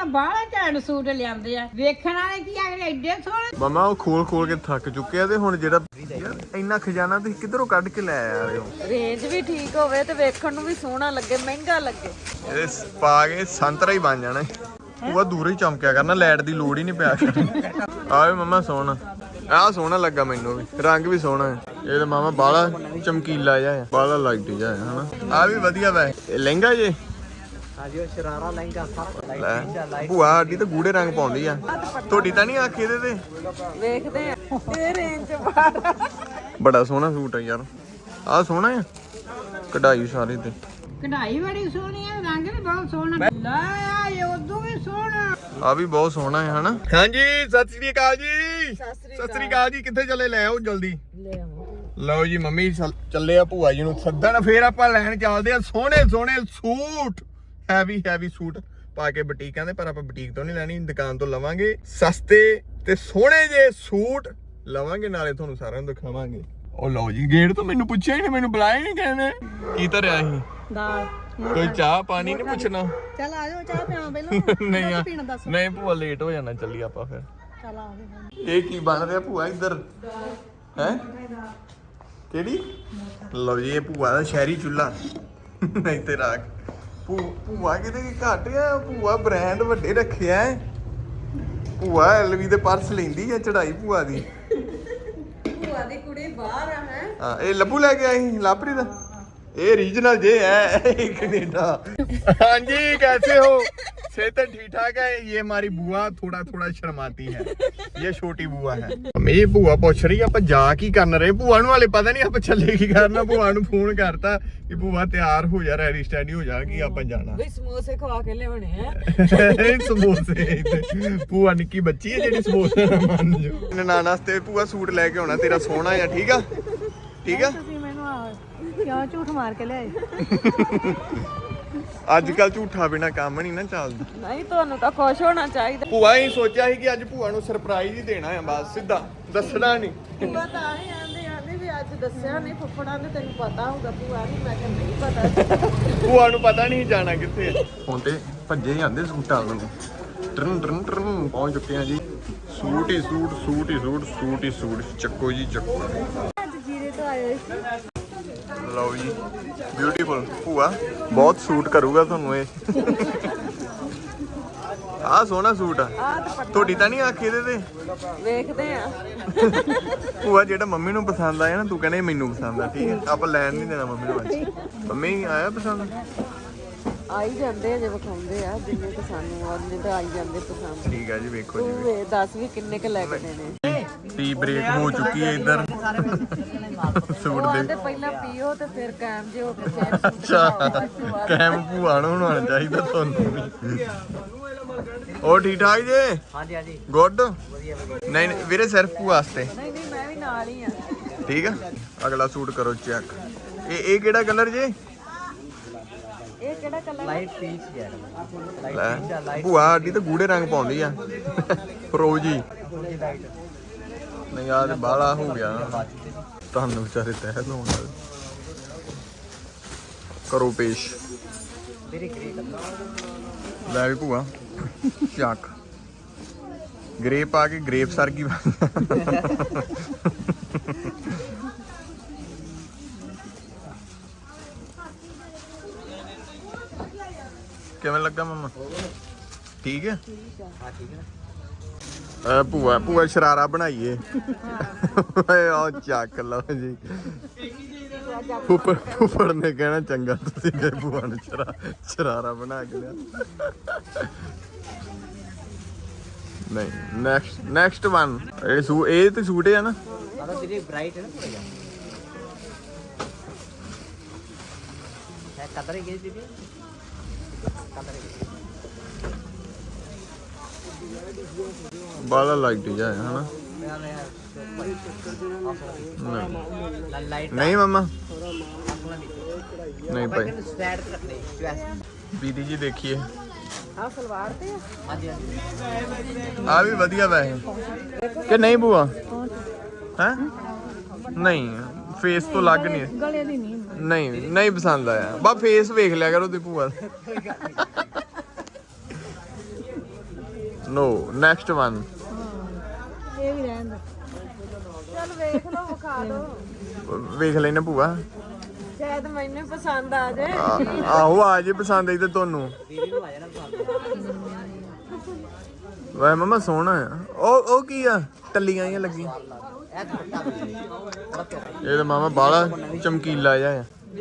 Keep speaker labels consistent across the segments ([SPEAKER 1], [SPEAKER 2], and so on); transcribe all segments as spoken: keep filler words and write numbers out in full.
[SPEAKER 1] ਬਾਹਲਾ ਘੈਂਟ ਸੂਟ ਲਿਆਂਦੇ ਆ ਵੇਖਣ ਵਾਲੇ ਕੀ ਆ ਐਡੇ ਸੋਹਣੇ।
[SPEAKER 2] ਮਮਾ ਉਹ ਖੋਲ ਖੋਲ ਕੇ ਥੱਕ ਚੁੱਕੇ ਆ ਤੇ ਹੁਣ ਜਿਹੜਾ ਯਾਰ ਇੰਨਾ ਖਜ਼ਾਨਾ ਤੁਸੀਂ ਕਿੱਧਰੋਂ ਕੱਢ ਕੇ ਲੈ ਆ ਰਹੇ ਹੋ?
[SPEAKER 3] ਰੇਂਜ ਵੀ ਠੀਕ ਹੋਵੇ ਤੇ ਵੇਖਣ ਨੂੰ ਵੀ ਸੋਹਣਾ ਲੱਗੇ, ਮਹਿੰਗਾ ਲੱਗੇ।
[SPEAKER 2] ਇਹਦੇ ਪਾ ਕੇ ਸੰਤਰਾ ਹੀ ਬਣ ਜਾਣਾ। ਉਹ ਦੂਰੋਂ ਹੀ ਚਮਕਿਆ ਕਰਨਾ, ਲਾਈਟ ਦੀ ਲੋੜ ਹੀ ਨਹੀਂ ਪਿਆ ਕਰਨੀ। ਆਵੇ ਮਮਾ ਸੋਹਣਾ, ਆਹ ਸੋਹਣਾ ਲੱਗਾ ਮੈਨੂੰ ਵੀ, ਰੰਗ ਵੀ ਸੋਹਣਾ ਹੈ। ਇਹ ਤਾਂ ਮਾਮਾ ਬਾਲਾ ਚਮਕੀਲਾ ਜਿਹਾ ਹੈ, ਬਾਲਾ ਲਾਈਟ ਜਿਹਾ ਹੈ ਹਨਾ। ਆਹ ਵੀ ਵਧੀਆ ਵੈ। ਇਹ ਲਹਿੰਗਾ ਜੇ
[SPEAKER 4] ਹਾਂਜੀ ਉਹ ਸ਼ਰਾਰਾ ਲਹਿੰਗਾ ਸਭ
[SPEAKER 2] ਭੂਆ ਸਾਡੀ ਤਾਂ ਗੂੜੇ ਰੰਗ ਪਾਉਂਦੀ ਆ, ਤੁਹਾਡੀ ਤਾਂ ਨਹੀਂ ਆਖੀ ਇਹਦੇ ਤੇ।
[SPEAKER 3] ਵੇਖਦੇ ਆ ਇਹ ਰੇਂਜ ਬਾਹਰ।
[SPEAKER 2] ਬੜਾ ਸੋਹਣਾ ਸੂਟ ਹੈ ਯਾਰ, ਆਹ ਸੋਹਣਾ ਆ, ਕਢਾਈ ਸਾਰੇ ਤੇ
[SPEAKER 1] ਕਢਾਈ ਬੜੀ ਸੋਹਣੀ ਆ, ਰੰਗ ਵੀ ਬਹੁਤ ਸੋਹਣਾ। ਲੈ ਆ ਇਹ ਉਦੋਂ ਵੀ ਸੋਹਣਾ,
[SPEAKER 2] ਆ ਵੀ ਬਹੁਤ ਸੋਹਣਾ ਹੈ ਹਨਾ। ਹਾਂਜੀ ਸਤਿ ਸ੍ਰੀ ਅਕਾਲ ਜੀ। ਸਤਿ ਸ੍ਰੀ ਅਕਾਲ ਜੀ। ਕਿੱਥੇ ਚੱਲੇ? ਲੈ ਆਓ ਜਲਦੀ। ਲਓ ਜੀ ਮੰਮੀ ਚੱਲੇ ਆ ਭੂਆ ਜੀ ਨੂੰ ਸੱਦਣ, ਫੇਰ ਆਪਾਂ ਲੈਣ ਚੱਲਦੇ ਆ ਸੋਹਣੇ ਸੋਹਣੇ ਸੂਟ, ਹੈਵੀ ਹੈਵੀ ਸੂਟ ਪਾ ਕੇ ਬੁਟੀਕਾਂ ਦੇ। ਪਰ ਆਪਾਂ ਬੁਟੀਕ ਤੋਂ ਨਹੀਂ ਲੈਣੀ, ਦੁਕਾਨ ਤੋਂ ਲਵਾਂਗੇ। ਸਸਤੇ ਤੇ ਸੋਹਣੇ ਜੇ ਸੂਟ ਲਵਾਂਗੇ, ਨਾਲੇ ਤੁਹਾਨੂੰ ਸਾਰਿਆਂ ਨੂੰ ਦਿਖਾਵਾਂਗੇ। ਉਹ ਲਓ ਜੀ, ਗੇਟ ਤੋਂ ਮੈਨੂੰ ਪੁੱਛਿਆ ਹੀ ਨਹੀਂ, ਮੈਨੂੰ ਬੁਲਾਇਆ ਨਹੀਂ ਕਹਿੰਦੇ। ਕੀ ਧਰਿਆ ਸੀ?
[SPEAKER 3] ਦਾਲ।
[SPEAKER 2] ਕੋਈ ਚਾਹ ਪਾਣੀ ਨਹੀਂ ਪੁੱਛਣਾ?
[SPEAKER 3] ਚੱਲ ਆ ਜਾਓ, ਚਾਹ ਪਿਆਵਾਂ ਪਹਿਲਾਂ।
[SPEAKER 2] ਨਹੀਂ ਆ ਨਹੀਂ ਭੂਆ, ਲੇਟ ਹੋ ਜਾਣਾ, ਚੱਲੀ ਆਪਾਂ ਫਿਰ।
[SPEAKER 3] ਚੱਲ ਆ
[SPEAKER 2] ਇਹ ਕੀ ਬਣ ਰਿਹਾ ਭੂਆ ਇੱਧਰ ਹੈ? ਕਿਹੜੀ? ਲਓ ਜੀ ਇਹ ਭੂਆ ਦਾ ਸ਼ਹਿਰੀ ਚੁੱਲ੍ਹਾ ਨਹੀਂ ਤੇ ਰਾਖ। ਭੂ ਭੂਆ ਕਿਤੇ ਕੀ ਘੱਟ ਆ, ਭੂਆ ਬ੍ਰਾਂਡ ਵੱਡੇ ਰੱਖਿਆ ਹੈ। ਭੂਆ ਐਲਵੀ ਦੇ ਪਰਸ ਲੈਂਦੀ ਆ ਚੜਾਈ ਭੂਆ ਦੀ।
[SPEAKER 3] ਭੂਆ ਦੀ ਕੁੜੀ ਬਾਹਰ ਆ ਹੈ।
[SPEAKER 2] ਹਾਂ ਇਹ ਲੱਭੂ ਲੈ ਕੇ ਆਈ ਲਾਪਰੀ ਦਾ। ये रीजनल जे है कनेडा। हाँ जी कैसे हो? सेहत ठीक ठाक है? ये हमारी बुआ थोड़ा थोड़ा शर्माती है, ये छोटी बुआ है। मेरी बुआ पूछ रही आप जा की करना रहे, बुआ नु वाले पता नहीं आप चले की करना। बुआ नु फोन करता कि बुआ तैयार हो जा, रेडी स्टैडी हो जा कि आप जाना।
[SPEAKER 3] वे समोसे खवा के लेवणे हैं।
[SPEAKER 2] समोसे बुआ निक्की बच्ची है जेडी समोसे ना मान जो। ननाना वास्ते बुआ सूट लेके आना तेरा सोहना है, ठीक है ठीक है।
[SPEAKER 3] ਕਿਉਂ ਝੂਠ ਮਾਰ ਕੇ ਲਿਆਏ?
[SPEAKER 2] ਅੱਜ ਕੱਲ ਝੂਠਾ ਬਿਨਾ ਕੰਮ ਨਹੀਂ ਨਾ ਚੱਲਦਾ।
[SPEAKER 3] ਨਹੀਂ ਤੁਹਾਨੂੰ ਤਾਂ ਖੁਸ਼ ਹੋਣਾ ਚਾਹੀਦਾ।
[SPEAKER 2] ਭੂਆ ਹੀ ਸੋਚਿਆ ਸੀ ਕਿ ਅੱਜ ਭੂਆ ਨੂੰ ਸਰਪ੍ਰਾਈਜ਼ ਹੀ ਦੇਣਾ ਹੈ, ਬਸ ਸਿੱਧਾ ਦੱਸਣਾ ਨਹੀਂ।
[SPEAKER 3] ਭੂਆ ਤਾਂ ਹੀ ਆਂਦੇ ਆਂਦੇ ਵੀ ਅੱਜ ਦੱਸਿਆ ਨਹੀਂ, ਫੁੱਫੜਾਂ ਨੇ ਤੈਨੂੰ ਪਤਾ ਹੋਊਗਾ। ਭੂਆ ਨਹੀਂ, ਮੈਂ ਕਿਹਾ ਨਹੀਂ ਪਤਾ।
[SPEAKER 2] ਭੂਆ ਨੂੰ ਪਤਾ ਨਹੀਂ ਜਾਣਾ ਕਿੱਥੇ। ਹੁਣ ਤੇ ਭੱਜੇ ਜਾਂਦੇ ਸੂਟਾਂ ਨੂੰ, ਟਰਨ ਟਰਨ ਟਰਨ ਪਹੁੰਚ ਚੁੱਕੇ ਆ ਜੀ। ਸੂਟ ਹੀ ਸੂਟ, ਸੂਟ ਹੀ ਸੂਟ, ਸੂਟ ਹੀ ਸੂਟ, ਚੱਕੋ ਜੀ ਚੱਕੋ।
[SPEAKER 3] ਅੱਜ ਜੀਰੇ ਤੋਂ ਆਏ ਸੀ।
[SPEAKER 2] ਲਓ ਜੀ ਬਿਊਟੀਫੁਲ ਭੂਆ ਬਹੁਤ ਸੂਟ ਕਰੂਗਾ ਤੁਹਾਨੂੰ ਇਹ। ਆਹ ਸੋਹਣਾ ਸੂਟ ਆ, ਤੁਹਾਡੀ ਤਾਂ ਨਹੀਂ ਆਖੀ ਇਹਦੇ ਤੇ?
[SPEAKER 3] ਵੇਖਦੇ ਆ
[SPEAKER 2] ਭੂਆ ਜਿਹੜਾ ਮੰਮੀ ਨੂੰ ਪਸੰਦ ਆਇਆ ਨਾ, ਤੂੰ ਕਹਿੰਦੇ ਮੈਨੂੰ ਪਸੰਦ ਆ, ਠੀਕ ਹੈ ਆਪਾਂ ਲੈਣ ਨਹੀਂ ਦੇਣਾ ਮੰਮੀ ਨੂੰ ਅੱਜ। ਮੰਮੀ ਆਇਆ ਪਸੰਦ?
[SPEAKER 3] ਆਈ ਜਾਂਦੇ ਆ ਜੇ ਵਿਖਾਉਂਦੇ ਆ, ਜਿੰਨੇ ਕਿ ਸਾਨੂੰ ਉਹਨੇ ਤਾਂ ਆਈ ਜਾਂਦੇ ਪਸੰਦ।
[SPEAKER 2] ਠੀਕ ਹੈ ਜੀ ਵੇਖੋ ਜੀ।
[SPEAKER 3] ਤੂੰ ਵੇ ਦੱਸ ਵੀ ਕਿੰਨੇ ਕ ਲੈ ਕੇ ਦੇਣੇ।
[SPEAKER 2] ਟੀ ਬ੍ਰੇਕ ਹੋ ਚੁੱਕੀ ਹੈ ਇੱਧਰ ਸੂਟ ਦੇ।
[SPEAKER 3] ਤੇ ਪਹਿਲਾਂ ਪੀਓ ਤੇ ਫਿਰ ਕਾਇਮ ਜੇ ਹੋ ਕੇ ਫੇਰ
[SPEAKER 2] ਅੱਛਾ ਕੈਮ ਭੂਆ ਨੂੰ ਹੋਣਾ ਚਾਹੀਦਾ ਤੁਹਾਨੂੰ ਵੀ। ਉਹ ਠੀਕ ਠਾਕ ਜੇ?
[SPEAKER 4] ਹਾਂਜੀ ਹਾਂਜੀ
[SPEAKER 2] ਗੁੱਡ।
[SPEAKER 4] ਵਧੀਆ ਵਧੀਆ।
[SPEAKER 2] ਨਹੀਂ ਨਹੀਂ ਵੀਰੇ ਸਿਰਫ ਭੂਆ ਵਾਸਤੇ।
[SPEAKER 3] ਨਹੀਂ ਨਹੀਂ ਮੈਂ ਵੀ ਨਾਲ ਹੀ ਆ।
[SPEAKER 2] ਠੀਕ ਆ ਅਗਲਾ ਸੂਟ ਕਰੋ ਚੈੱਕ। ਇਹ ਇਹ ਕਿਹੜਾ ਕਲਰ ਜੇ?
[SPEAKER 3] ਇਹ ਕਿਹੜਾ ਕਲਰ?
[SPEAKER 4] ਲਾਈਟ ਪੀਚ ਯਾਰ,
[SPEAKER 2] ਲੈ
[SPEAKER 4] ਲਾਈਟ ਪੀਚ ਆ, ਲਾਈਟ
[SPEAKER 2] ਭੂਆ ਸਾਡੀ ਤਾਂ ਗੂੜੇ ਰੰਗ ਪਾਉਂਦੀ ਆ, ਫਰੋਜੀ।
[SPEAKER 4] ਲਾਈਟ
[SPEAKER 2] ਨਹੀਂ ਆ ਤੇ ਬਾਲਾ ਹੋ ਗਿਆ ਤੁਹਾਨੂੰ ਵਿਚਾਰੇ ਤਹਿ ਲਾਉਣ ਵਾਲੇ। ਕਰੋ ਪੇਸ਼।
[SPEAKER 4] ਮੇਰੇ ਗ੍ਰੇ ਕਲਰ।
[SPEAKER 2] ਲੈ ਵੀ ਭੂਆ ਚੱਕ। ਗ੍ਰੇਪ ਆ ਕੇ ਗ੍ਰੇਪ ਸਰ ਕੀ ਕਿਵੇਂ ਲੱਗਾ ਮਮਾ? ਠੀਕ ਹੈ
[SPEAKER 4] ਹਾਂ ਠੀਕ ਹੈ।
[SPEAKER 2] ਆ ਭੂਆ ਭੂਆ ਸ਼ਰਾਰਾ ਬਣਾਈਏ। ਓਏ ਆ ਚੱਕ ਲਓ ਜੀ। ਫੁੱਫੜ ਫੁੱਫੜ ਨੇ ਕਹਿਣਾ ਚੰਗਾ ਤੁਸੀਂ ਗਏ ਭੂਆ ਨੂੰ ਸ਼ਰਾ ਸ਼ਰਾਰਾ ਬਣਾ ਕੇ ਲਿਆ। ਨਹੀਂ ਨੈਕਸਟ ਨੈਕਸਟ ਵਨ। ਇਹ ਸੂ ਇਹ ਤੇ ਸੂਟ ਹੈ ਨਾ?
[SPEAKER 4] ਆਹ ਤੇਰੀ ਬ੍ਰਾਈਟ ਹੈ ਨਾ ਥੋੜਾ ਜਿਹਾ। ਹੈ ਕਦਰ ਹੀ ਗਈ ਦੀਦੀ, ਕਦਰ ਹੀ ਗਈ।
[SPEAKER 2] ਬਾਲਾ ਲਾਈਟ ਜਾ ਹੈ ਹਨਾ?
[SPEAKER 4] ਲਾਈਟ
[SPEAKER 2] ਨਹੀਂ ਮਮਾ
[SPEAKER 4] ਆਪਣਾ
[SPEAKER 2] ਨਹੀਂ ਭਾਈ।
[SPEAKER 4] ਸਟੈਟ ਰੱਖਦੇ ਚੁਆਇਸ।
[SPEAKER 2] ਬੀਦੀ ਜੀ ਦੇਖੀਏ
[SPEAKER 3] ਆ ਸਲਵਾਰ ਤੇ ਆ।
[SPEAKER 4] ਹਾਂਜੀ ਹਾਂਜੀ
[SPEAKER 2] ਆ ਵੀ ਵਧੀਆ ਵੈਸੇ ਕਿ ਨਹੀਂ ਭੂਆ? ਹੈ ਨਹੀਂ ਫੇਸ ਤੋਂ ਲੱਗ ਨਹੀਂ
[SPEAKER 3] ਗਲੇ ਦੀ ਨਹੀਂ।
[SPEAKER 2] ਨਹੀਂ ਨਹੀਂ ਪਸੰਦ ਆਇਆ। ਬਾ ਫੇਸ ਵੇਖ ਲਿਆ ਕਰੋ ਤੇ ਭੂਆ। ਨੋ ਨੈਕਸਟ ਵਨ
[SPEAKER 1] ਇਹ ਵੀ ਰਹਿਣ ਦੋ।
[SPEAKER 3] ਚੱਲ ਵੇਖ ਲਓ ਵਿਖਾ ਦੋ
[SPEAKER 2] ਵੇਖ ਲੈਣਾ ਭੂਆ
[SPEAKER 3] ਸ਼ਾਇਦ ਮੈਨੂੰ ਹੀ ਪਸੰਦ ਆ ਜਾਏ
[SPEAKER 2] ਆ- ਆਹੋ ਆ ਜੇ ਪਸੰਦ ਆਈ ਤੇ ਤੁਹਾਨੂੰ
[SPEAKER 4] ਦੀਦੀ ਨੂੰ ਆ ਜਾਣਾ ਪਸੰਦ
[SPEAKER 2] ਵੇ ਮਮਾ ਸੋਹਣਾ ਆ ਉਹ ਉਹ ਕੀ ਆ ਟੱਲੀਆਂ ਜਿਹੀਆਂ ਲੱਗੀਆਂ
[SPEAKER 4] ਇਹ ਦੁਪੱਟਾ ਵੀ ਬੜਾ ਪਿਆਰਾ
[SPEAKER 2] ਇਹ ਤਾਂ ਮਾਮਾ ਬਾਲਾ ਚਮਕੀਲਾ ਜਿਹਾ ਆ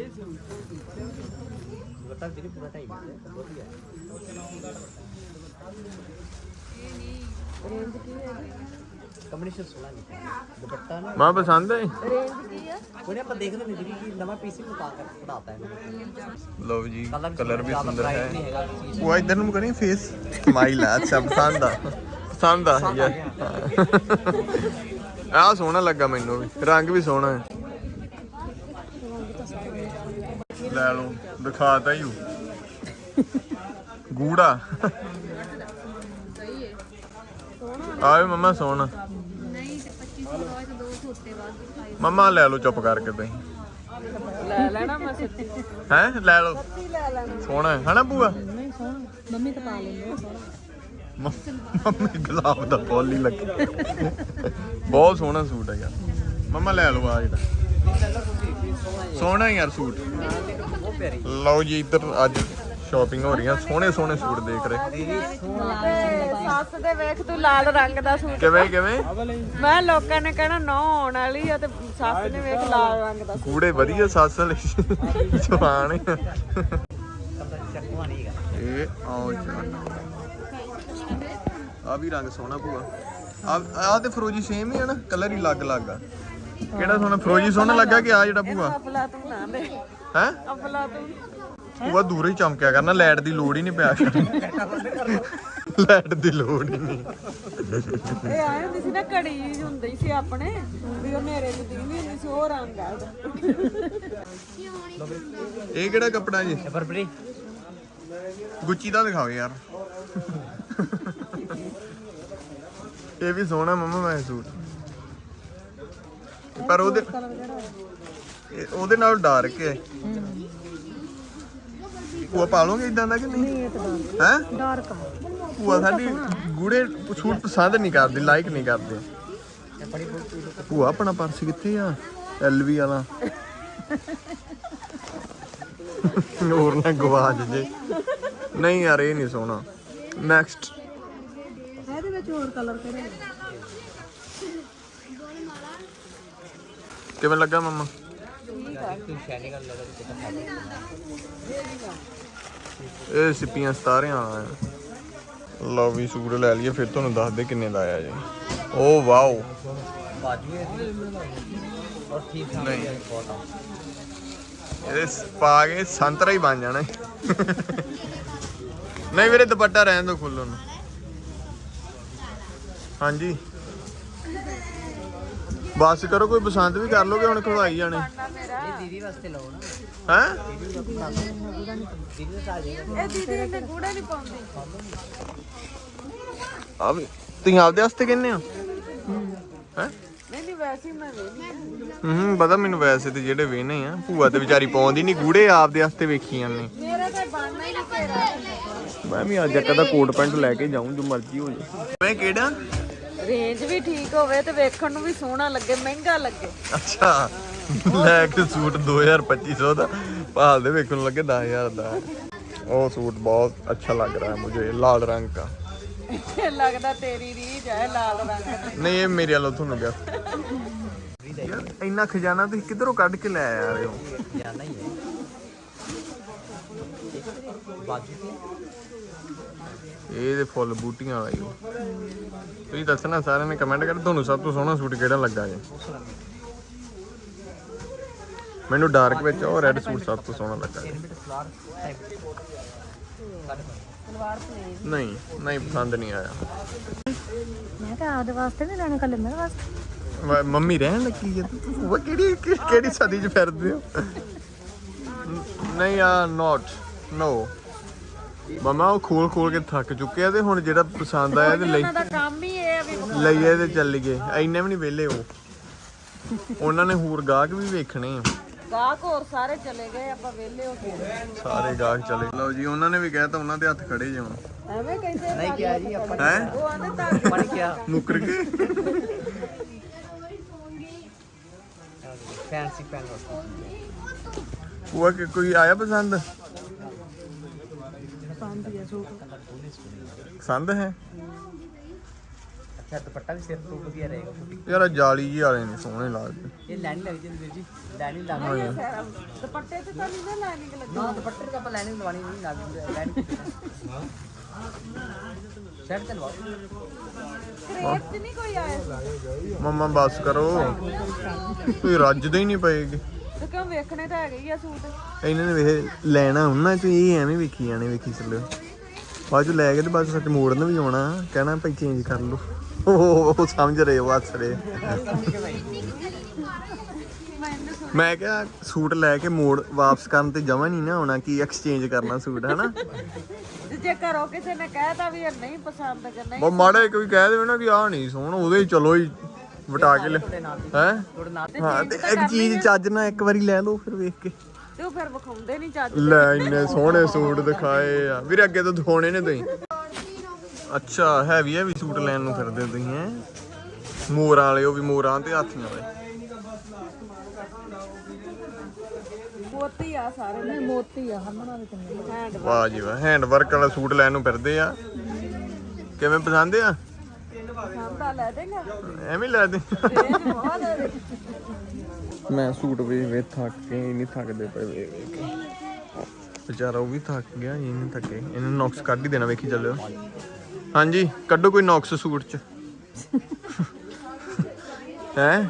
[SPEAKER 4] ਦੁਪੱਟਾ ਦੀਦੀ ਪੂਰਾ ਢਾਈ ਮੀਟਰ ਵਧੀਆ
[SPEAKER 3] ਰੇਂਜ ਕੀ ਹੈ
[SPEAKER 4] ਕੰਬੀਨੇਸ਼ਨ ਸੋਹਣਾ ਨਹੀਂ ਦੁਪੱਟਾ ਨਾ
[SPEAKER 2] ਮਾਂ ਪਸੰਦ ਹੈ
[SPEAKER 3] ਰੇਂਜ ਕੀ ਆ
[SPEAKER 4] ਉਹਨੇ ਆਪਾਂ ਦੇਖਦੇ ਨਹੀਂ ਦੀਦੀ ਕਿ ਨਵਾਂ ਪੀਸ ਨੂੰ ਪਾ ਕੇ ਪੜਾਤਾ ਹੈ
[SPEAKER 2] ਲਓ ਜੀ ਕਲਰ ਵੀ ਸੁੰਦਰ
[SPEAKER 4] ਨਹੀਂ
[SPEAKER 2] ਹੈ
[SPEAKER 4] ਹੈਗਾ ਚੀਜ਼
[SPEAKER 2] ਉਹ ਇਧਰ ਨੂੰ ਕਰੀ ਫੇਸ ਸਮਾਈਲ ਆ ਅੱਛਾ ਪਸੰਦ ਆ ਪਸੰਦ ਆ ਯਾਰ ਆਹ ਸੋਹਣਾ ਲੱਗਾ ਮੈਨੂੰ ਵੀ ਰੰਗ ਵੀ ਸੋਹਣਾ ਹੈ ਲੈ ਲਓ ਦਿਖਾਤਾ ਹੀ ਗੂੜਾ ਆਏ ਮਮਾ ਸੋਹਣਾ
[SPEAKER 1] ਨਹੀਂ ਤੇ ਪੱਚੀ ਸੌ ਹੋਏ ਤੇ ਦੋ ਸੌ ਉੱਤੇ ਬਾਅਦ
[SPEAKER 2] ਮਮਾ ਲੈ ਲਓ ਚੁੱਪ ਕਰਕੇ ਤੁਸੀਂ
[SPEAKER 3] ਲੈ ਲੈਣਾ ਮੈਂ ਸੱਚੀ
[SPEAKER 2] ਹੈ ਲੈ ਲਓ
[SPEAKER 3] ਲੈ ਲੈਣਾ
[SPEAKER 2] ਸੋਹਣਾ ਹੈ ਹਨਾ ਭੂਆ
[SPEAKER 1] ਨਹੀਂ ਸੋਹਣਾ ਮੰਮੀ ਤਾਂ ਪਾ ਲੈਂਦੇ ਆ ਸੋਹਣਾ
[SPEAKER 2] ਮੰਮੀ ਗੁਲਾਬ ਦਾ ਫੁੱਲ ਹੀ ਲੱਗਾ ਬਹੁਤ ਸੋਹਣਾ ਸੂਟ ਹੈ ਯਾਰ ਮਮਾ ਲੈ ਲਓ ਆ ਜਿਹੜਾ ਸੋਹਣਾ ਯਾਰ ਸੂਟ
[SPEAKER 4] ਬਹੁਤ ਪਿਆਰੀ
[SPEAKER 2] ਲਓ ਜੀ ਇੱਧਰ ਅੱਜ ਸ਼ਾਪਿੰਗ ਹੋ ਰਹੀਆਂ ਸੋਹਣੇ ਸੋਹਣੇ ਸੂਟ ਦੇਖ ਰਹੇ
[SPEAKER 4] ਦੀਦੀ ਸੋਹਣਾ
[SPEAKER 3] ਤੇ ਸੱਸ ਦੇ ਵੇਖ ਤੂੰ ਲਾਲ ਰੰਗ ਦਾ ਸੂਟ
[SPEAKER 2] ਕਿਵੇਂ ਕਿਵੇਂ
[SPEAKER 3] ਮੈਂ ਲੋਕਾਂ ਨੇ ਕਹਿਣਾ ਨੌ ਆਉਣ ਵਾਲੀ ਆ ਤੇ ਸੱਸ ਨੇ ਵੇਖ ਲਾਲ ਰੰਗ ਦਾ
[SPEAKER 2] ਕੂੜੇ ਵਧੀਆ ਸੱਸ ਲਈ ਜਵਾਨ
[SPEAKER 4] ਕਲਰ ਚੱਕਵਾ ਨਹੀਂ ਹੈਗਾ
[SPEAKER 2] ਇਹ ਆਓ ਆ ਵੀ ਰੰਗ ਸੋਹਣਾ ਭੂਆ ਆ ਆ ਤੇ ਫਰੋਜੀ ਸੇਮ ਹੀ ਹੈ ਨਾ ਕਲਰ ਹੀ ਅਲੱਗ ਅਲੱਗ ਆ ਕਿਹੜਾ ਸੋਹਣਾ ਫਰੋਜੀ ਸੋਹਣਾ ਲੱਗਾ ਕਿ ਆ ਜਿਹੜਾ ਭੂਆ
[SPEAKER 3] ਅਫਲਾ ਤੂੰ ਨਾ ਲੈ
[SPEAKER 2] ਹੈ
[SPEAKER 3] ਅਫਲਾ ਤੂੰ
[SPEAKER 2] ਭੂਆ ਦੂਰ ਹੀ ਚਮਕਿਆ ਕਰਨਾ ਲਾਈਟ ਦੀ ਲੋੜ ਹੀ ਨਹੀਂ ਪਿਆ ਕਰਨੀ ਲਾਈਟ ਦੀ ਲੋੜ ਹੀ ਨਹੀਂ
[SPEAKER 3] ਇਹ ਆਏ ਹੁੰਦੀ ਸੀ ਨਾ ਘੜੀ ਹੁੰਦੀ ਸੀ ਆਪਣੇ ਵੀ ਉਹ ਨੇਰੇ ਚ ਦਿਖਦੀ ਹੁੰਦੀ ਸੀ ਉਹ ਰੰਗ ਆ ਉਹਦਾ
[SPEAKER 2] ਇਹ ਕਿਹੜਾ ਕੱਪੜਾ ਜੀ
[SPEAKER 4] ਇਹ ਬਰਬਰੀ
[SPEAKER 2] ਗੁੱਚੀ ਦਾ ਦਿਖਾਓ ਯਾਰ ਇਹ ਵੀ ਸੋਹਣਾ ਮੰਮਾ ਮੈਂ ਸੂਟ ਪਰ ਉਹਦੇ ਇਹ- ਉਹਦੇ ਨਾਲ ਡਾਰਕ ਹੈ ਉਹ ਪਾ ਲੋਗੇ ਇਦਾਂ ਦਾ ਕਿ ਨਹੀਂ ਹੈ
[SPEAKER 1] ਡਾਰਕ
[SPEAKER 2] ਭੂਆ ਸਾਡੀ ਗੂੜੇ ਸੂਟ ਪਸੰਦ ਨਹੀਂ ਕਰਦੀ ਲਾਈਕ ਨਹੀਂ ਕਰਦੇ ਭੂਆ ਆਪਣਾ ਪਰਸ ਕਿੱਥੇ ਆ ਐਲਵੀ ਵਾਲਾ ਹੋਰ ਨਾ ਗਵਾਚ ਜੇ ਨਹੀਂ ਯਾਰ ਇਹ ਨਹੀਂ ਸੋਹਣਾ ਨੈਕਸਟ
[SPEAKER 1] ਇਹਦੇ ਵਿੱਚ ਹੋਰ ਕਲਰ ਕਿਹੜੇ
[SPEAKER 2] ਕਿਵੇਂ ਲੱਗਾ ਮੰਮਾ
[SPEAKER 4] ਤੂੰ ਸ਼ੈਨੀ ਕਰ ਲੱਗਾ ਤੇ ਕਿਤਾ
[SPEAKER 2] ਇਹ ਸਿੱਪੀਆਂ ਸਤਾਰਿਆਂ ਵਾਲਾ ਹੈ ਲਓ ਵੀ ਸੂਟ ਲੈ ਲਈਏ ਫਿਰ ਤੁਹਾਨੂੰ ਦੱਸ ਦੇ ਕਿੰਨੇ ਦਾ ਆਇਆ ਜੀ ਓ ਵਾਓ
[SPEAKER 4] ਬਾਜੂ ਹੈ ਔਰ ਠੀਕ ਠਾਕ
[SPEAKER 2] ਨਹੀਂ।
[SPEAKER 4] ਹੈ ਬਹੁਤ
[SPEAKER 2] ਇਹਦੇ ਸ- ਪਾ ਕੇ ਸੰਤਰਾ ਹੀ ਬਣ ਜਾਣਾ ਨਹੀਂ ਵੀਰੇ ਦੁਪੱਟਾ ਰਹਿਣ ਦੋ ਖੁੱਲ੍ਹ ਨੂੰ ਹਾਂਜੀ ਬਸ ਕਰੋ ਕੋਈ ਪਸੰਦ ਵੀ ਕਰ ਲੋਗੇ ਹੁਣ ਖਵਾਈ ਜਾਣੇ
[SPEAKER 4] ਇਹ ਦੀਦੀ ਵਾਸਤੇ ਲਓ ਨਾ
[SPEAKER 2] ਹੈ
[SPEAKER 4] ਦੀਦੀ ਦਾ ਦੀਦੀ ਦਾ ਆ ਜਾਏਗਾ
[SPEAKER 3] ਇਹ ਦੀਦੀ ਇਹਨੇ ਗੂੜੇ ਨਹੀਂ ਪਾਉਂਦੀ
[SPEAKER 2] ਆ ਵੀ ਤੁਸੀਂ ਆਪਦੇ ਵਾਸਤੇ ਕਹਿੰਦੇ ਹੋ ਹੈ
[SPEAKER 3] ਨਹੀਂ ਨਹੀਂ ਵੈਸੇ ਹੀ ਮੈਂ ਵੇਖੀ
[SPEAKER 2] ਹੂੰ ਪਤਾ ਮੈਨੂੰ ਵੈਸੇ ਤੇ ਜਿਹੜੇ ਵੇਨੇ ਆ ਭੂਆ ਤੇ ਵਿਚਾਰੀ ਪਾਉਂਦੀ ਨਹੀਂ ਗੂੜੇ ਆਪਦੇ ਵਾਸਤੇ ਵੇਖੀ ਜਾਂਦੇ
[SPEAKER 3] ਮੇਰੇ ਤੇ ਬਣਨਾ ਹੀ ਨਹੀਂ ਤੇਰਾ
[SPEAKER 2] ਮੈਂ ਵੀ ਅੱਜ ਕਦਾ ਕੋਟ ਪੈਂਟ ਲੈ ਕੇ ਜਾਊਂ ਜੋ ਮਰਜ਼ੀ ਹੋ ਜਾਏ ਮੈਂ ਕਿਹੜਾ
[SPEAKER 3] ਰੇਂਜ ਵੀ ਠੀਕ ਹੋਵੇ ਤੇ ਵੇਖਣ ਨੂੰ ਵੀ ਸੋਹਣਾ ਲੱਗੇ ਮਹਿੰਗਾ ਲੱਗੇ
[SPEAKER 2] ਅੱਛਾ ਲੈ ਕੇ ਸੂਟ ਦੋ ਹਜ਼ਾਰ ਪੱਚੀ ਸੌ ਦਾ ਭਾਲ ਦੇ ਵੇਖਣ ਨੂੰ ਲੱਗੇ ਦਸ ਹਜ਼ਾਰ ਦਾ ਉਹ ਸੂਟ ਬਹੁਤ ਅੱਛਾ ਲੱਗ ਰਿਹਾ ਹੈ ਮੁਝੇ ਲਾਲ ਰੰਗ ਦਾ
[SPEAKER 3] ਲੱਗਦਾ ਤੇਰੀ ਰੀਝ ਹੈ ਲਾਲ ਰੰਗ ਦੀ
[SPEAKER 2] ਨਹੀਂ ਇਹ ਮੇਰੇ ਵੱਲੋਂ ਤੁਹਾਨੂੰ ਗਿਆ ਯਾਰ ਇੰਨਾ ਖਜ਼ਾਨਾ ਤੁਸੀਂ ਕਿੱਧਰੋਂ ਕੱਢ ਕੇ ਲੈ ਆ ਰਹੇ ਹੋ
[SPEAKER 4] ਜਾਣਾ ਹੀ ਹੈ ਬਾਜੂ ਤੇ
[SPEAKER 2] ਇਹ ਦੇ ਫੁੱਲ ਬੂਟੀਆਂ ਵਾਲਾ ਹੀ ਉਹ ਤੁਸੀਂ ਦੱਸਣਾ ਸਾਰਿਆਂ ਨੇ ਕਮੈਂਟ ਕਰ ਤੁਹਾਨੂੰ ਸਭ ਤੋਂ ਸੋਹਣਾ ਸੂਟ ਕਿਹੜਾ ਲੱਗਾ ਜੀ ਮੈਨੂੰ ਡਾਰਕ ਵਿੱਚ ਉਹ ਰੈੱਡ ਸੂਟ ਸਭ ਤੋਂ ਸੋਹਣਾ ਲੱਗਾ ਜੀ।
[SPEAKER 4] ਮਿੰਟ ਸਲਾਰ ਟਾਈਪ
[SPEAKER 3] ਸਲਵਾਰ ਪਲੇਨ
[SPEAKER 2] ਨਹੀਂ ਨਹੀਂ ਪਸੰਦ ਨਹੀਂ ਆਇਆ
[SPEAKER 1] ਮੈਂ ਤਾਂ ਆਪਦੇ ਵਾਸਤੇ ਨਹੀਂ ਲੈਣਾ ਕੱਲੇ ਮੇਰੇ ਵਾਸਤੇ
[SPEAKER 2] ਮ- ਮੰਮੀ ਰਹਿਣ ਲੱਗੀ ਜੇ ਉਹ ਕਿਹੜੀ ਕਿ- ਕਿਹੜੀ ਸਦੀ 'ਚ ਫਿਰਦੇ ਹੋ ਨਹੀਂ ਆ ਨੋਟ ਨੋ ਮਮਾ ਉਹ ਖੋਲ ਖੋਲ ਕੇ ਥੱਕ ਚੁੱਕੇ ਆ ਤੇ ਹੁਣ ਜਿਹੜਾ ਪਸੰਦ ਆਇਆ ਤੇ ਲਈ
[SPEAKER 3] ਉਹਨਾਂ ਦਾ ਕੰਮ ਹੀ ਇਹ ਆ ਵੀ
[SPEAKER 2] ਲਈਏ ਤੇ ਚੱਲ ਗਏ ਐਨੇ ਵੀ ਨਹੀਂ ਵਿਹਲੇ ਉਹ ਉਹਨਾਂ ਨੇ ਹੋਰ ਗਾਹਕ ਵੀ ਵੇਖਣੇ ਆ
[SPEAKER 3] ਗਾਹਕ ਹੋਰ ਸਾਰੇ ਚਲੇ ਗਏ ਆਪਾਂ ਵਿਹਲੇ ਹੋ ਗਏ
[SPEAKER 2] ਸਾਰੇ ਗਾਹਕ ਚਲੇ ਲਓ ਜੀ ਉਹਨਾਂ ਨੇ ਵੀ ਕਹਿਤਾ ਉਹਨਾਂ ਦੇ ਹੱਥ ਖੜੇ ਜਾਣ
[SPEAKER 3] ਐਵੇਂ ਕਹਿੰਦੇ
[SPEAKER 4] ਨਹੀਂ ਕਿਹਾ ਜੀ ਆਪਾਂ
[SPEAKER 2] ਹੈ
[SPEAKER 3] ਉਹ ਆਂਦੇ ਤਾਂ
[SPEAKER 4] ਪੜ ਗਿਆ
[SPEAKER 2] ਮੁੱਕਰ ਗਏ
[SPEAKER 4] ਫੈਂਸੀ ਪੈਨ
[SPEAKER 2] ਉਹ ਕਿ ਕੋਈ ਆਇਆ ਪਸੰਦ ਪਸੰਦ ਹੈ
[SPEAKER 4] ਅੱਛਾ ਦੁਪੱਟਾ ਵੀ ਸਿਰ ਤੋਂ ਵਧੀਆ ਰਹੇਗਾ
[SPEAKER 2] ਯਾਰ ਆਹ ਜਾਲੀ ਜੀ ਵਾਲੇ ਨੇ ਸੋਹਣੇ ਲੱਗਦੇ
[SPEAKER 4] ਇਹ ਲਾਈਨ ਲੱਗ ਜਾਂਦੀ ਵੀਰ ਜੀ ਲਾਈਨ ਲੱਗ
[SPEAKER 3] ਦੁਪੱਟੇ ਤੇ ਤਾਂ ਨਹੀਂ ਨਾ ਲਾਈਨਿੰਗ ਲੱਗੀ
[SPEAKER 4] ਨਾ ਦੁਪੱਟੇ ਤੇ ਆਪਾਂ ਲਾਈਨ ਲਵਾਣੀ ਨਹੀਂ ਲੱਗ ਲਾਈਨ ਸ਼ਰਟ ਤੇ ਲਵਾ
[SPEAKER 3] ਕ੍ਰੇਪ ਚ ਨਹੀਂ ਕੋਈ ਆਇਆ
[SPEAKER 2] ਮੰਮਾ ਬਸ ਕਰੋ ਕੋਈ ਰੱਜਦੇ ਹੀ ਨਹੀਂ ਪਏਗੇ
[SPEAKER 3] ਤੇ ਕਿਉਂ ਵੇਖਣੇ ਤਾਂ ਹੈਗੇ ਹੀ ਆ ਸੂਟ
[SPEAKER 2] ਇਹਨਾਂ ਨੇ ਵੇਖ ਲੈਣਾ ਉਹਨਾਂ ਚ ਇਹ ਐਵੇਂ ਵੇਖੀ ਜਾਣੇ ਵੇਖੀ ਚੱਲਿਓ ਬਾਅਦ ਚ ਲੈ ਕੇ ਤੇ ਬਾਅਦ ਸੱਚ ਮੋੜਨ ਵੀ ਆਉਣਾ ਕਹਿਣਾ ਭਾਈ ਚੇਂਜ ਕਰ ਲਓ ਉਹ ਉਹ ਸਮਝ ਰਹੇ ਉਹ ਹੱਸ ਰਹੇ ਮੈਂ ਕਿਹਾ ਸੂਟ ਲੈ ਕੇ ਮੋੜ ਵਾਪਸ ਕਰਨ ਤੇ ਜਮਾ ਨਹੀਂ ਨਾ ਆਉਣਾ ਕੀ ਐਕਸਚੇਂਜ ਕਰਨਾ ਸੂਟ ਹਨਾ
[SPEAKER 3] ਤੇ ਜੇ ਘਰੋਂ ਕਿਸੇ ਨੇ ਕਹਿਤਾ ਵੀ ਇਹ ਨਹੀਂ ਪਸੰਦ ਕਿ ਨਹੀਂ
[SPEAKER 2] ਉਹ ਮਾੜਾ ਕੋਈ ਕਹਿ ਦੇਵੇ ਨਾ ਕਿ ਆਹ ਨਹੀਂ ਸੋਹਣਾ ਉਹਦੇ ਹੀ ਚਲੋ ਹੀ ਵਟਾ ਕੇ ਲੈ ਹੈ
[SPEAKER 4] ਤੁਹਾਡੇ ਨਾਲ
[SPEAKER 2] ਹਾਂ ਤੇ ਇੱਕ ਚੀਜ਼ ਚੱਜ ਨਾਲ ਇੱਕ ਵਾਰੀ ਲੈ ਲਓ ਫਿਰ ਵੇਖ ਕੇ
[SPEAKER 3] ਤੇ ਉਹ ਫਿਰ ਵਿਖਾਉਂਦੇ ਨਹੀਂ ਚੱਜ
[SPEAKER 2] ਲੈ ਇੰਨੇ ਸੋਹਣੇ ਸੂਟ ਦਿਖਾਏ ਆ ਵੀਰੇ ਅੱਗੇ ਤੋਂ ਦਿਖਾਉਣੇ ਨੇ ਤੁਸੀਂ ਅੱਛਾ ਹੈਵੀ ਹੈਵੀ ਸੂਟ ਲੈਣ ਨੂੰ ਫਿਰਦੇ ਹੋ ਤੁਸੀਂ ਹੈ ਮੋਰਾਂ ਵਾਲੇ ਉਹ ਵੀ ਮੋਰਾਂ ਤੇ ਹਾਥੀਆਂ ਵਾਲੇ
[SPEAKER 3] ਮੋਤੀ ਆ ਸਾਰੇ ਨਹੀਂ ਮੋਤੀ ਆ ਹਮਣਾ ਦੇ ਚੰਗੇ ਹੈਂਡ
[SPEAKER 2] ਵਾਹ ਜੀ ਵਾਹ ਹੈਂਡ ਵਰਕ ਵਾਲਾ ਸੂਟ ਲੈਣ ਨੂੰ ਫਿਰਦੇ ਆ ਕਿਵੇਂ ਪਸੰਦ ਆ
[SPEAKER 3] ਸਾਹਮਣਾ ਲੈ ਦੇਗਾ
[SPEAKER 2] ਐਵੇਂ ਲੈ ਦੇ
[SPEAKER 3] ਰੇਂਜ ਬਹੁਤ ਹੈ
[SPEAKER 2] ਮੈਂ ਸੂਟ ਵੇ ਵੇ ਥੱਕ ਕੇ ਨਹੀਂ ਥੱਕਦੇ ਪਏ ਵੇ ਵੇ ਕੇ ਵਿਚਾਰਾ ਉਹ ਵੀ ਥੱਕ ਗਿਆ ਇਹ ਨਹੀਂ ਥੱਕੇ ਇਹਨੂੰ ਨੌਕਸ ਕੱਢ ਹੀ ਦੇਣਾ ਵੇਖੀ ਚੱਲਿਓ ਹਾਂਜੀ ਕੱਢੋ ਕੋਈ ਨੌਕਸ ਸੂਟ ਚ ਹੈ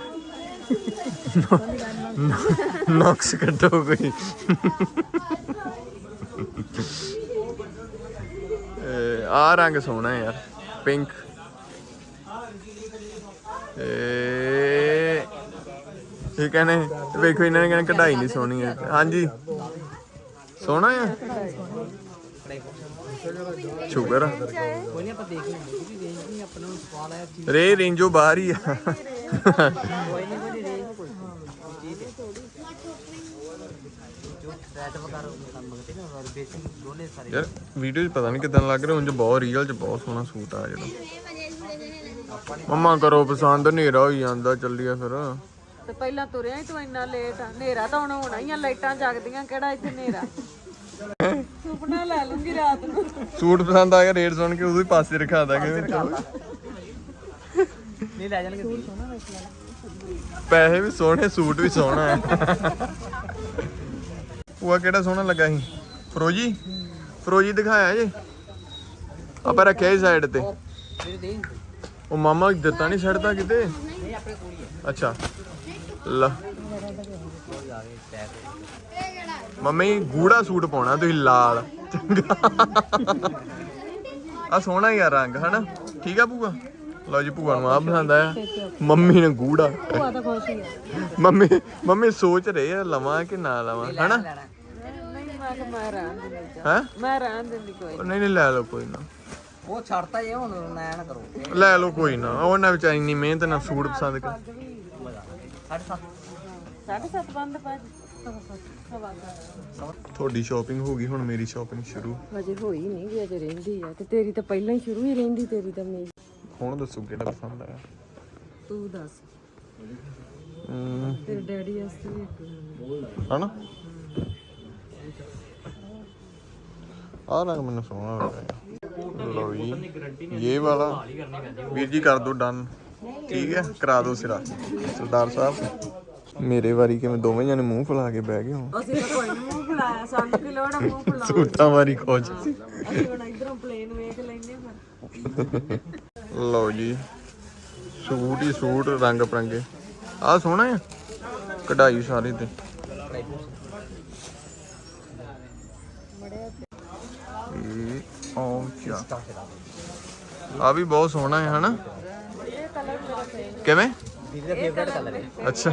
[SPEAKER 2] ਨੌਕਸ ਕੱਢੋ ਕੋਈ ਆ ਰੰਗ ਸੋਹਣਾ ਯਾਰ ਪਿੰਕ ਏ ਇਹ ਕਹਿੰਦੇ ਵੇਖੋ ਇਹਨਾਂ ਨੇ ਕਹਿੰਦੇ ਕਢਾਈ ਨਹੀਂ ਸੋਹਣੀ ਹੈ ਹਾਂਜੀ ਸੋਹਣਾ ਆ ਸ਼ੁਕਰ ਆ
[SPEAKER 4] ਕੋਈ ਨਹੀਂ ਆਪਾਂ ਦੇਖ ਲੈਂਦੇ ਕਿ ਰੇਂਜ ਨਹੀਂ ਆਪਣਾ ਨੂੰ ਸਵਾਲ ਆਇਆ ਚੀਜ਼
[SPEAKER 2] ਰੇ ਰੇਂਜੋ ਬਾਹਰ ਹੀ ਆ
[SPEAKER 4] ਕੋਈ ਨਹੀਂ ਕੋਈ ਰੇਂਜ ਕੋਈ ਚੀਜ਼ ਜੋ ਰੈਟ ਵਗੈਰਾ ਕੰਮ ਮੰਗਦੇ ਨਾ ਔਰ ਬੇਸਿਕ ਦੋਨੇ ਸਾਰੇ
[SPEAKER 2] ਯਾਰ ਵੀਡੀਓ 'ਚ ਪਤਾ ਨਹੀਂ ਕਿਦਾਂ ਲੱਗ ਰਿਹਾ ਉਂਝ ਬਹੁਤ ਰੀਅਲ 'ਚ ਬਹੁਤ ਸੋਹਣਾ ਸੂਟ ਆ ਜਿਹੜਾ ਮੰਮਾ ਕਰੋ ਪਸੰਦ ਹਨੇਰਾ ਹੋਈ ਜਾਂਦਾ ਚੱਲੀਏ ਫਿਰ
[SPEAKER 3] ਤੇ ਪਹਿਲਾਂ ਤੁਰਿਆ ਹੀ ਤੂੰ ਇੰਨਾ ਲੇਟ ਆ ਹਨੇਰਾ ਤਾਂ ਹੁਣ ਹੋਣਾ ਹੀ ਆ ਲਾਈਟਾਂ ਜਗਦੀਆਂ ਕਿਹੜਾ ਇੱਥੇ ਹਨੇਰਾ ਸੁਪਨਾ ਲੈ ਲੂੰਗੀ ਰਾਤ ਨੂੰ
[SPEAKER 2] ਸੂਟ ਪਸੰਦ ਆ ਗਿਆ ਰੇਟ ਸੁਣ ਕੇ ਉਦੋਂ ਹੀ ਪਾਸੇ ਰਖਾ ਦਾਂਗੇ
[SPEAKER 4] ਨਹੀਂ ਲੈ ਜਾਣਗੇ
[SPEAKER 2] ਪੈਸੇ ਵੀ ਸੋਹਣੇ ਸੂਟ ਵੀ ਸੋਹਣਾ ਹੈ ਉਹ ਕਿਹੜਾ ਸੋਹਣਾ ਲੱਗਾ ਸੀ ਫਰੋਜੀ ਫਰੋਜੀ ਦਿਖਾਇਆ ਜੇ ਆਪਾਂ ਰੱਖਿਆ ਹੀ ਸਾਈਡ ਤੇ
[SPEAKER 4] ਮੇਰੇ ਦੇ
[SPEAKER 2] ਉਹ ਮਾਮਾ ਦਿੱਤਾ ਨਹੀਂ ਛੱਡਦਾ ਕਿਤੇ
[SPEAKER 4] ਨਹੀਂ ਆਪਣੇ ਕੋਲ ਹੀ ਹੈ
[SPEAKER 2] ਅੱਛਾ ਲਾ
[SPEAKER 4] ਕੋਈ ਆ ਗਏ ਟੈਗ
[SPEAKER 2] ਮੰਮੀ ਗੂੜਾ ਸੂਟ ਪਾਉਣਾ ਤੁਸੀਂ ਲਾਲ ਚੰਗਾ ਆ ਸੋਹਣਾ ਯਾਰ ਰੰਗ ਹਨਾ ਠੀਕ ਆ ਭੂਆ ਲਓ ਜੀ ਭੂਆ ਨੂੰ ਆ ਪਸੰਦ ਆਇਆ ਮੰਮੀ ਨੇ ਗੂੜਾ
[SPEAKER 3] ਭੂਆ ਤਾਂ ਖੁਸ਼ ਹੀ ਆ
[SPEAKER 2] ਮੰਮੀ ਮੰਮੀ ਸੋਚ ਰਹੇ ਆ ਲਵਾਂ ਕਿ ਨਾ ਲਵਾਂ ਹਨਾ
[SPEAKER 3] ਨਹੀਂ ਮੈਂ ਕਿ ਮੈਂ ਰਹਿਣ ਦਿੰਦੀ
[SPEAKER 2] ਹੈ
[SPEAKER 3] ਮੈਂ ਰਹਿਣ ਦਿੰਦੀ ਕੋਈ
[SPEAKER 2] ਨਹੀਂ ਨਹੀਂ ਲੈ ਲਓ ਕੋਈ ਨਾ
[SPEAKER 4] ਉਹ ਛੱਡਤਾ ਜੇ ਹੁਣ ਨਾ ਨਾ ਕਰੋ
[SPEAKER 2] ਲੈ ਲਓ ਕੋਈ ਨਾ ਉਹਨਾਂ ਵਿਚਾਰੀ ਇੰਨੀ ਮਿਹਨਤ ਨਾਲ ਸੂਟ ਪਸੰਦ ਕਰ
[SPEAKER 4] ਸਾਢੇ ਸੱਤ
[SPEAKER 3] ਸਾਢੇ ਸੱਤ ਬੰਦ ਪਾ ਸਵਾ
[SPEAKER 2] ਤੁਹਾਡੀ ਸ਼ਾਪਿੰਗ ਹੋ ਗਈ ਹੁਣ ਮੇਰੀ ਸ਼ਾਪਿੰਗ ਸ਼ੁਰੂ
[SPEAKER 3] ਹਜੇ ਹੋਈ ਨਹੀਂ ਵੀ ਅਜੇ ਰਹਿੰਦੀ ਆ ਤੇ ਤੇਰੀ ਤਾਂ ਪਹਿਲਾਂ ਹੀ ਸ਼ੁਰੂ ਹੀ ਰਹਿੰਦੀ ਤੇਰੀ ਤਾਂ ਮੇਰੀ
[SPEAKER 2] ਹੁਣ ਦੱਸੋ ਕਿਹੜਾ ਪਸੰਦ ਆਇਆ
[SPEAKER 3] ਤੂੰ ਦੱਸ
[SPEAKER 2] ਹਮ,
[SPEAKER 3] ਤੇਰੇ ਡੈਡੀ ਵਾਸਤੇ ਵੀ ਇੱਕ
[SPEAKER 2] ਹਨਾ ਆ ਰੰਗ ਮੈਨੂੰ ਸੋਹਣਾ ਲੱਗਾ ਲਓ ਜੀ ਇਹ ਵਾਲਾ ਵੀਰ ਜੀ ਕਰ ਦੋ ਡਨ ਠੀਕ ਹੈ ਕਰਾ ਦੋ ਸਿਰਾ ਸਰਦਾਰ ਸਾਹਿਬ ਮੇਰੇ ਵਾਰੀ ਕਿਵੇਂ ਦੋਵੇਂ ਜਣੇ ਮੂੰਹ ਫੁਲਾ ਕੇ ਬਹਿ ਗਏ ਹੋ
[SPEAKER 3] ਅਸੀਂ ਤਾਂ ਕੋਈ ਨੀ ਮੂੰਹ ਫੁਲਾਇਆ ਸਾਨੂੰ ਕੀ ਲੋੜ ਆ ਮੂੰਹ ਫੁਲਾਉਣ
[SPEAKER 2] ਸੂਟਾਂ ਵਾਰੀ ਖੋਜ
[SPEAKER 3] ਦੀ। ਅਸੀਂ ਹੁਣ ਇਧਰੋਂ ਪਲੇਨ ਵੇਖ ਲੈਨੇ ਫਿਰ
[SPEAKER 2] ਲਓ ਜੀ ਸੂਟ ਹੀ ਸੂਟ ਰੰਗ ਬਰੰਗੇ ਆ ਸੋਹਣਾ ਆ ਕਢਾਈ ਸਾਰੀ ਤੇ ਇਹ ਉਹ ਚਾ ਆ ਵੀ ਬਹੁਤ ਸੋਹਣਾ ਹੈ ਹਨਾ
[SPEAKER 3] ਇਹ ਕਲਰ ਮੇਰਾ ਫੇਵਰਟ
[SPEAKER 2] ਕਿਵੇਂ
[SPEAKER 4] ਦੀਦੀ ਦਾ ਫੇਵਰਟ ਕਲਰ ਹੈ
[SPEAKER 2] ਅੱਛਾ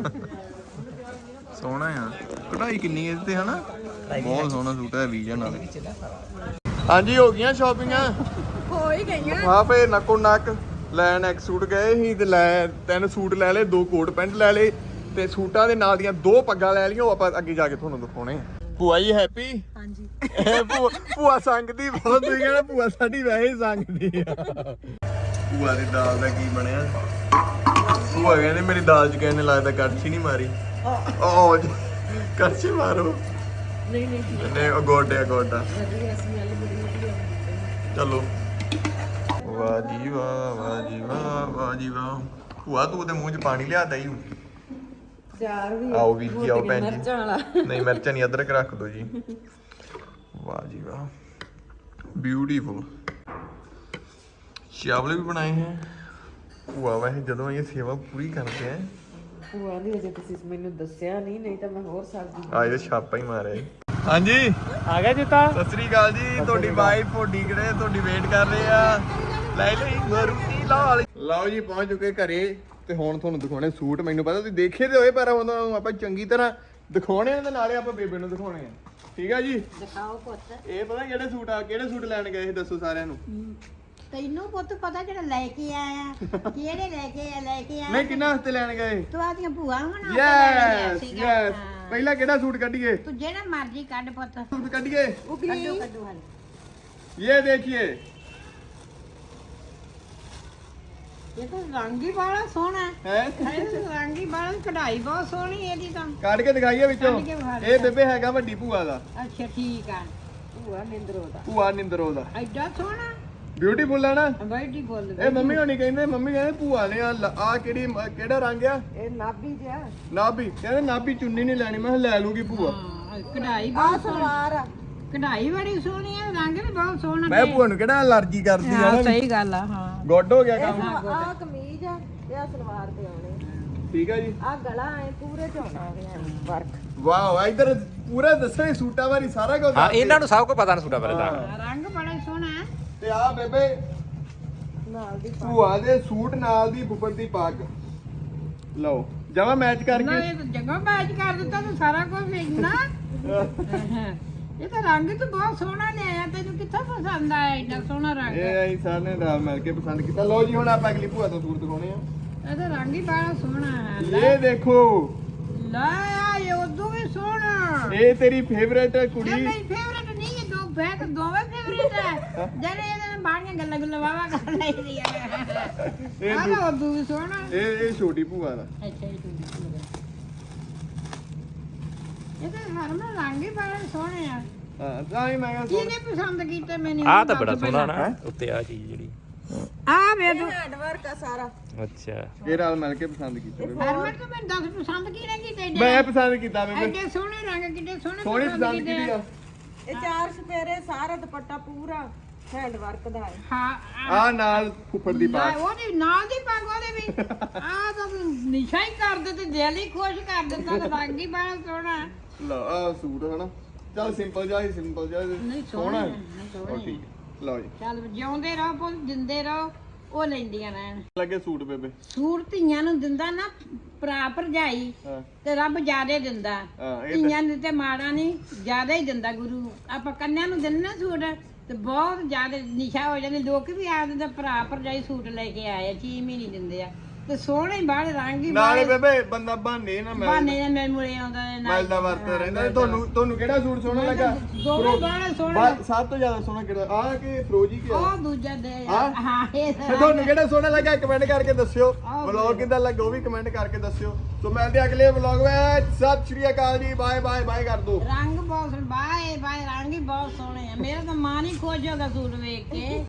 [SPEAKER 2] ਸੋਹਣਾ ਆ ਕਢਾਈ ਕਿੰਨੀ ਇਹਦੇ ਤੇ ਹਨਾ ਬਹੁਤ ਸੋਹਣਾ ਸੂਟ ਹੈ ਵੀਜ਼ਨ ਨਾਲ ਹਾਂਜੀ ਹੋ ਗਈਆਂ ਸ਼ਾਪਿੰਗਾਂ
[SPEAKER 3] ਹੋ ਹੀ ਗਈਆਂ
[SPEAKER 2] ਹਾਂ ਫੇ ਨੱਕੋ ਨੱਕ ਲੈਣ ਇੱਕ ਸੂਟ ਗਏ ਸੀ ਤੇ ਲੈ ਤਿੰਨ ਸੂਟ ਲੈ ਲਏ ਦੋ ਕੋਟ ਪੈਂਟ ਲੈ ਲਏ ਤੇ ਸੂਟਾਂ ਦੇ ਨਾਲ ਦੀਆਂ ਦੋ ਪੱਗਾਂ ਲੈ ਲਈਆਂ ਉਹ ਆਪਾਂ ਅੱਗੇ ਜਾ ਕੇ ਤੁਹਾਨੂੰ ਦਿਖਾਉਣੇ ਆ। ਭੂਆ ਜੀ ਹੈਪੀ?
[SPEAKER 3] ਹਾਂਜੀ
[SPEAKER 2] ਭੂਆ ਭੂਆ ਸੰਗਦੀ ਬਹੁਤ ਤੁਸੀਂ ਕਹਿੰਦਾ ਭੂਆ ਸਾਡੀ ਵੈਸੇ ਹੀ ਸੰਗਦੀ ਆ। ਭੂਆ ਦੀ ਦਾਲ ਦਾ ਕੀ ਬਣਿਆ? ਭੂਆ ਕਹਿੰਦੇ ਮੇਰੀ ਦਾਲ ਚ ਕਹਿੰਦੇ ਲੱਗਦਾ ਕੜਛੀ ਨਹੀਂ ਮਾਰੀ। ਓ ਕੜਛੀ ਮਾਰੋ।
[SPEAKER 3] ਨਹੀਂ ਨਹੀਂ
[SPEAKER 2] ਨਹੀਂ ਉਹ ਗੋਡਿਆ ਗੋਡਾ।
[SPEAKER 3] ਵਧੀਆ ਸਮੈਲ ਬੜੀ ਵਧੀਆ।
[SPEAKER 2] ਚਲੋ ਵਾਹ ਜੀ ਵਾਹ ਵਾਹ ਜੀ ਵਾਹ ਵਾਹ ਜੀ ਵਾਹ। ਭੂਆ ਤੂੰ ਤੇ ਮੂੰਹ 'ਚ ਪਾਣੀ ਲਿਆਦਾ ਹੀ।
[SPEAKER 3] ਚਾਰ ਵੀ
[SPEAKER 2] ਆਓ ਵੀਰ ਜੀ ਆਓ ਭੈਣ ਜੀ।
[SPEAKER 3] ਮਿਰਚਾਂ ਵਾਲਾ
[SPEAKER 2] ਨਹੀਂ ਮਿਰਚਾਂ ਨਹੀਂ, ਅਦਰਕ ਰੱਖ ਦੋ ਜੀ। ਵਾਹ ਜੀ ਵਾਹ ਬਿਊਟੀਫੁਲ। ਚਾਵਲ ਵੀ ਬਣਾਏ ਹੈ। ਭੂਆ ਵੈਸੇ ਜਦੋਂ ਇਹ ਸੇਵਾ ਪੂਰੀ ਕਰਦੇ ਆ।
[SPEAKER 3] ਭੂਆ ਦੀ ਅਜੇ ਤੁਸੀਂ ਮੈਨੂੰ ਦੱਸਿਆ ਨਹੀਂ, ਨਹੀਂ ਤਾਂ ਮੈਂ ਹੋਰ ਸਬਜ਼ੀ
[SPEAKER 2] ਆ ਇਹਦੇ ਛਾਪਾ ਹੀ ਮਾਰਿਆ ਜੀ। ਹਾਂਜੀ
[SPEAKER 4] ਆ ਗਿਆ ਜੁੱਤਾ।
[SPEAKER 2] ਸਤਿ ਸ੍ਰੀ ਅਕਾਲ ਜੀ। ਤੁਹਾਡੀ ਵਾਈਫ ਤੁਹਾਡੀ ਕਿਹੜੇ ਤੁਹਾਡੀ ਵੇਟ ਕਰ ਰਹੇ ਆ। ਲੈ ਲਈ ਮਰੂਤੀ ਲਾਲ। ਲਓ ਜੀ ਪਹੁੰਚ ਚੁੱਕੇ ਘਰੇ ਤੇ ਹੁਣ ਤੁਹਾਨੂੰ ਦਿਖਾਉਣੇ ਸੂਟ। ਮੈਨੂੰ ਪਤਾ ਤੁਸੀਂ ਦੇਖੇ ਤੇ ਹੋਏ ਪਰ ਉਹਨਾਂ ਨੂੰ ਆਪਾਂ ਚੰਗੀ ਤਰ੍ਹਾਂ ਦਿਖਾਉਣੇ ਆ ਤੇ ਨਾਲੇ ਆਪਾਂ ਬੇਬੇ ਨੂੰ ਦਿਖਾਉਣੇ ਆ। ਠੀਕ ਆ ਜੀ?
[SPEAKER 1] ਦਿਖਾਓ ਪੁੱਤ।
[SPEAKER 2] ਇਹ ਪਤਾ ਕਿਹੜੇ ਸੂਟ ਆ ਕਿਹੜੇ ਸੂਟ ਲੈਣ ਗਏ ਸੀ ਦੱਸੋ ਸਾਰਿਆਂ ਨੂੰ।
[SPEAKER 1] ਤੈਨੂੰ ਪੁੱਤ ਪਤਾ ਜਿਹੜਾ ਲੈ ਕੇ ਆਇਆ ਕਿਹੜੇ ਲੈ ਕੇ ਆ ਲੈ ਕੇ ਆਇਆ
[SPEAKER 2] ਨਹੀਂ ਕਿੰਨਾ ਵਾਸਤੇ ਲੈਣ ਗਏ?
[SPEAKER 1] ਤੂੰ ਆਦੀਆਂ ਭੂਆ ਹੋਣਾ
[SPEAKER 2] ਯੈਸ ਯੈਸ। ਪਹਿਲਾਂ ਕਿਹੜਾ ਸੂਟ ਕੱਢੀਏ?
[SPEAKER 1] ਤੂੰ ਜਿਹੜਾ ਮਰਜ਼ੀ ਕੱਢ ਪੁੱਤ।
[SPEAKER 2] ਸੂਟ ਕੱਢੀਏ।
[SPEAKER 1] ਕੱਢੋ ਕੱਢੋ ਹਾਂ।
[SPEAKER 2] ਇਹ ਦੇਖੀਏ
[SPEAKER 1] ਇਹ ਤਾਂ ਰੰਗ ਹੀ ਬੜਾ ਸੋਹਣਾ
[SPEAKER 2] ਹੈ।
[SPEAKER 1] ਇਹ ਰੰਗ ਹੀ ਬੜਾ ਕਢਾਈ ਬਹੁਤ ਸੋਹਣੀ ਇਹਦੀ ਤਾਂ।
[SPEAKER 2] ਕੱਢ ਕੇ ਦਿਖਾਈਏ ਵਿੱਚੋਂ।
[SPEAKER 1] ਕੱਢ ਕੇ ਵਿਖਾ ਦੇ।
[SPEAKER 2] ਇਹ ਬੇਬੇ ਹੈਗਾ ਵੱਡੀ ਭੂਆ ਦਾ।
[SPEAKER 1] ਅੱਛਾ ਠੀਕ ਆ।
[SPEAKER 3] ਭੂਆ ਨਿੰਦਰੋ ਦਾ
[SPEAKER 2] ਭੂਆ ਨਿੰਦਰੋ ਦਾ।
[SPEAKER 1] ਐਡਾ ਸੋਹਣਾ
[SPEAKER 2] ਬਿਊਟੀਫੁਲ ਆ ਨਾ।
[SPEAKER 1] ਬੈਠੀ ਬੋਲ
[SPEAKER 2] ਇਹ ਮੰਮੀ ਹੋਣੀ ਕਹਿੰਦੇ ਮੰਮੀ ਕਹਿੰਦੇ ਭੂਆ ਨੇ ਆ ਆ ਕਿਹੜੀ ਕਿਹੜਾ ਰੰਗ ਆ?
[SPEAKER 3] ਇਹ ਨਾਭੀ ਜਿਆ
[SPEAKER 2] ਨਾਭੀ। ਕਹਿੰਦੇ ਨਾਭੀ ਚੁੰਨੀ ਨਹੀਂ ਲੈਣੀ। ਮੈਂ ਕਿਹਾ ਲੈ ਲੂਗੀ ਭੂਆ।
[SPEAKER 1] ਹਾਂ ਕਢਾਈ
[SPEAKER 3] ਆ
[SPEAKER 1] ਬਹੁਤ ਸੋਹਣੀ
[SPEAKER 3] ਸਲਵਾਰ ਆ।
[SPEAKER 1] ਕਢਾਈ ਬੜੀ ਸੋਹਣੀ ਆ ਰੰਗ ਵੀ ਬਹੁਤ ਸੋਹਣਾ।
[SPEAKER 2] ਮੈਂ ਭੂਆ ਨੂੰ ਕਿਹੜਾ ਅਲਰਜੀ ਕਰਦੀ ਆ
[SPEAKER 1] ਹਾਂ
[SPEAKER 2] ਨਾ।
[SPEAKER 1] ਸਹੀ ਗੱਲ ਆ। ਹਾਂ
[SPEAKER 2] ਗੁੱਡ ਹੋ ਗਿਆ ਕੰਮ।
[SPEAKER 3] ਆ ਕਮੀਜ਼ ਆ ਤੇ ਆ ਸਲਵਾਰ ਤੇ ਆਉਣੇ।
[SPEAKER 2] ਠੀਕ ਆ ਜੀ।
[SPEAKER 3] ਆ ਗਲਾ ਐ ਪੂਰੇ ਝੋਨਾ ਵਰਕ।
[SPEAKER 2] ਵਾਓ ਇਧਰ ਪੂਰਾ ਦੱਸੋ ਸੂਟਾਂ ਬਾਰੇ ਸਾਰਾ ਕੁਝ।
[SPEAKER 4] ਹਾਂ ਇਹਨਾਂ ਨੂੰ ਸਭ ਕੁਝ ਪਤਾ ਨਾ ਸੂਟਾ ਬਾਰੇ ਤਾਂ।
[SPEAKER 1] ਰੰਗ ਬੜਾ ਸੋਹਣਾ ਹੈ।
[SPEAKER 2] ਤੇ ਆ ਬੇਬੇ
[SPEAKER 3] ਨਾਲ ਦੀ
[SPEAKER 2] ਭੂਆ ਦੇ ਸੂਟ ਨਾਲ ਦੀ ਬੁੱਬਰ ਦੀ ਪੱਗ। ਲਓ ਜਮਾ ਮੈਚ
[SPEAKER 1] ਨਾ
[SPEAKER 2] ਕਰਕੇ।
[SPEAKER 1] ਇਹ ਤਾਂ ਜਗ੍ਹਾ ਮੈਚ ਕਰ ਦਿੱਤਾ ਤੂੰ ਸਾਰਾ ਕੁਝ ਵੇਖਣਾ। ਇਹ ਤਾਂ ਰੰਗ ਤਾਂ ਬਹੁਤ ਸੋਹਣਾ ਲਿਆਇਆ। ਤੈਨੂੰ ਕਿੱਥੋਂ ਪਸੰਦ ਆਇਆ ਇੰਨਾ ਸੋਹਣਾ ਰੰਗ?
[SPEAKER 2] ਇਹ ਅਸੀਂ ਸਾਰੇ ਨੇ ਰਲ ਮਿਲ ਕੇ ਪਸੰਦ ਕੀਤਾ। ਲਓ ਜੀ ਹੁਣ ਆਪਾਂ ਅਗਲੀ ਭੂਆ ਤੋਂ ਸੂਟ ਦਿਖਾਉਣੇ ਆ।
[SPEAKER 1] ਇਹ ਤਾਂ ਰੰਗ ਹੀ ਬੜਾ ਸੋਹਣਾ ਹੈ।
[SPEAKER 2] ਇਹ ਦੇਖੋ
[SPEAKER 1] ਲੈ ਆ ਇਹ ਉਦੋਂ ਵੀ ਸੋਹਣਾ।
[SPEAKER 2] ਇਹ ਤੇਰੀ ਫੇਵਰੇਟ
[SPEAKER 1] ਇਹ
[SPEAKER 2] ਕੁੜੀ।
[SPEAKER 1] ਮੇਰੀ ਫੇਵਰੇਟ ਨਹੀਂ ਹੈ। ਦੋ ਬੈਕ ਦੋਵੇਂ ਫੇਵਰੇਟ ਹੈ। ਜਿਹੜੇ ਇਹਦੇ ਨਾਲ ਬਾਣੀਆਂ ਗੱਲਾਂ ਗੁੱਲਾਂ ਵਾਵਾ ਕਰ ਲਈਦੀ ਆ।
[SPEAKER 2] ਇਹ
[SPEAKER 1] ਆ ਤਾਂ ਉਦੋਂ ਵੀ ਸੋਹਣਾ।
[SPEAKER 2] ਇਹ ਇਹ ਛੋਟੀ ਭੂਆ ਦਾ।
[SPEAKER 1] ਅੱਛਾ ਇਹ ਤੂੰ ਇਹ ਤਾਂ ਹਰਮਨ ਰੰਗ ਹੀ ਬੜੇ ਸੋਹਣੇ ਆ।
[SPEAKER 2] ਹਾਂ ਤਾਂ ਹੀ ਮੈਂ ਕਿਹਾ ਸੋਹਣਾ।
[SPEAKER 1] ਕਿਹਨੇ ਪਸੰਦ ਕੀਤਾ ਮੈਨੂੰ?
[SPEAKER 4] ਆਹ ਤਾਂ ਬੜਾ ਸੋਹਣਾ ਨਾ ਉੱਤੇ ਆ ਚੀਜ਼ ਜਿਹੜੀ।
[SPEAKER 1] ਆ ਵੇ ਤੂੰ
[SPEAKER 3] ਹੈਂਡ ਵਰਕ ਆ ਸਾਰਾ।
[SPEAKER 4] ਅੱਛਾ
[SPEAKER 2] ਇਹ ਰਲ ਮਿਲ ਕੇ ਪਸੰਦ ਕੀਤਾ ਬੇਬੇ।
[SPEAKER 1] ਹਰਮਨ ਤੂੰ ਮੈਨੂੰ ਦੱਸ ਪਸੰਦ ਕਿਹਨੇ ਕੀਤਾ ਏਡੇ?
[SPEAKER 2] ਮੈਂ ਪਸੰਦ ਕੀਤਾ ਬੇਬੇ।
[SPEAKER 1] ਐਡੇ ਸੋਹਣੇ ਰੰਗ ਕਿੱਡੇ ਸੋਹਣੇ
[SPEAKER 2] ਸੋਹਣੀ ਪਸੰਦ ਕੀਤੀ ਆ।
[SPEAKER 3] ਇਹ ਚਾਰ ਸਪੇਰੇ ਸਾਰਾ ਦੁਪੱਟਾ ਪੂਰਾ ਹੈਂਡ ਵਰਕ ਦਾ ਹੈ।
[SPEAKER 1] ਹਾਂ
[SPEAKER 2] ਆ ਨਾਲ ਫੁੱਫੜ ਦੀ
[SPEAKER 1] ਨਾ
[SPEAKER 2] ਪੱਗ।
[SPEAKER 1] ਉਹਦੀ ਨਾਲ ਦੀ ਪੱਗ ਉਹਦੇ ਵੀ ਆ ਤਾਂ ਨਿਸ਼ਾ ਹੀ ਕਰ ਦਿੱਤੇ ਦਿਲ ਹੀ ਖੁਸ਼ ਕਰ ਦਿੱਤਾ ਤੇ ਰੰਗ ਹੀ ਬੜਾ ਸੋਹਣਾ।
[SPEAKER 2] ਲਓ ਆ ਸੂਟ ਹਨਾ। ਚੱਲ ਸਿੰਪਲ ਜਿਹਾ ਹੀ ਸਿੰਪਲ ਜਿਹਾ
[SPEAKER 1] ਨਹੀਂ
[SPEAKER 2] ਸੋਹਣਾ
[SPEAKER 1] ਸੋਹਣਾ
[SPEAKER 2] ਹੈ।
[SPEAKER 1] ਨਹੀਂ
[SPEAKER 2] ਉਹ
[SPEAKER 1] ਸੋਹਣਾ
[SPEAKER 2] ਠੀਕ ਹੈ। ਲਓ ਜੀ
[SPEAKER 1] ਚੱਲ ਜਿਉਂਦੇ ਰਹੋ ਪੁੱਤ ਦਿੰਦੇ ਰਹੋ ਉਹ ਲੈਂਦੀਆਂ ਰਹਿਣ।
[SPEAKER 2] ਲੱਗੇ ਸੂਟ ਬੇਬੇ।
[SPEAKER 1] ਸੂਟ ਧੀਆਂ ਨੂੰ ਦਿੰਦਾ ਨਾ ਭਰਾ ਭਰਜਾਈ
[SPEAKER 2] ਹਾਂ
[SPEAKER 1] ਤੇ ਰੱਬ ਜ਼ਿਆਦੇ ਦਿੰਦਾ।
[SPEAKER 2] ਹਾਂ ਇਹ
[SPEAKER 1] ਧੀਆਂ ਨੂੰ ਤੇ ਮਾੜਾ ਨਹੀਂ ਜ਼ਿਆਦਾ ਹੀ ਦਿੰਦਾ ਗੁਰੂ। ਆਪਾਂ ਕੰਨਿਆਂ ਨੂੰ ਦਿੰਦੇ ਨਾ ਸੂਟ ਤੇ ਬਹੁਤ ਜ਼ਿਆਦਾ ਨਿਸ਼ਾ ਹੋ ਜਾਂਦੇ। ਲੋਕ ਵੀ ਆ ਦਿੰਦੇ ਭਰਾ ਭਰਜਾਈ ਸੂਟ ਲੈ ਕੇ ਆਏ ਛੇ ਮਹੀਨੇ ਦਿੰਦੇ ਆ ਤੇ ਸੋਹਣੇ ਬਾਹਰ ਰੰਗ ਹੀ
[SPEAKER 2] ਨਾਲੇ ਬੇਬੇ ਬੰਦਾ ਬਹਾਨੇ ਨਾ ਮੈਂ
[SPEAKER 1] ਬਾਨੇ ਨਾਲ ਮੇਰੇ ਮੁਰੇ ਆਉਂਦਾ ਨੇ ਨਾਲ
[SPEAKER 2] ਮਿਲਦਾ ਵਰਤਦਾ ਰਹਿੰਦਾ। ਤੁਹਾਨੂੰ ਤੁਹਾਨੂੰ ਕਿਹੜਾ ਸੂਟ ਸੋਹਣਾ ਲੱਗਾ?
[SPEAKER 1] ਦੋਵੇਂ ਬਾਹਰ ਸੋਹਣੇ
[SPEAKER 2] ਬਾ- ਸਭ ਤੋਂ ਜ਼ਿਆਦਾ ਸੋਹਣਾ ਕਿਹੜਾ ਆ ਕਿ ਫਰੋਜੀ ਕਿ
[SPEAKER 1] ਉਹ ਦੂਜਾ ਦੇ
[SPEAKER 2] ਹਾਂ?
[SPEAKER 1] ਹਾਂ ਇਹ
[SPEAKER 2] ਤੇ ਤੁਹਾਨੂੰ ਕਿਹੜਾ ਸੋਹਣਾ ਲੱਗਾ ਕਮੈਂਟ ਕਰਕੇ ਦੱਸਿਓ।
[SPEAKER 1] ਆਹ
[SPEAKER 2] ਵਲੌਗ ਕਿੱਦਾਂ ਲੱਗਾ ਉਹ ਵੀ ਕਮੈਂਟ ਕਰਕੇ ਦੱਸਿਓ। ਸੋ ਮਿਲਦੇ ਹਾਂ ਅਗਲੇ ਵਲੌਗ ਵਿੱਚ। ਸਤਿ ਸ਼੍ਰੀ ਅਕਾਲ ਜੀ। ਬਾਏ ਬਾਏ ਬਾਏ ਕਰ ਦੋ।
[SPEAKER 1] ਰੰਗ ਬਹੁਤ ਸੋਹਣੇ ਬਾਏ ਬਾਏ ਰੰਗ ਹੀ ਬਹੁਤ ਸੋਹਣੇ ਆ। ਮੇਰਾ ਤਾਂ ਮਨ ਹੀ ਖੁਸ਼ ਹੋ ਗਿਆ ਸੂਟ ਵੇਖ ਕੇ।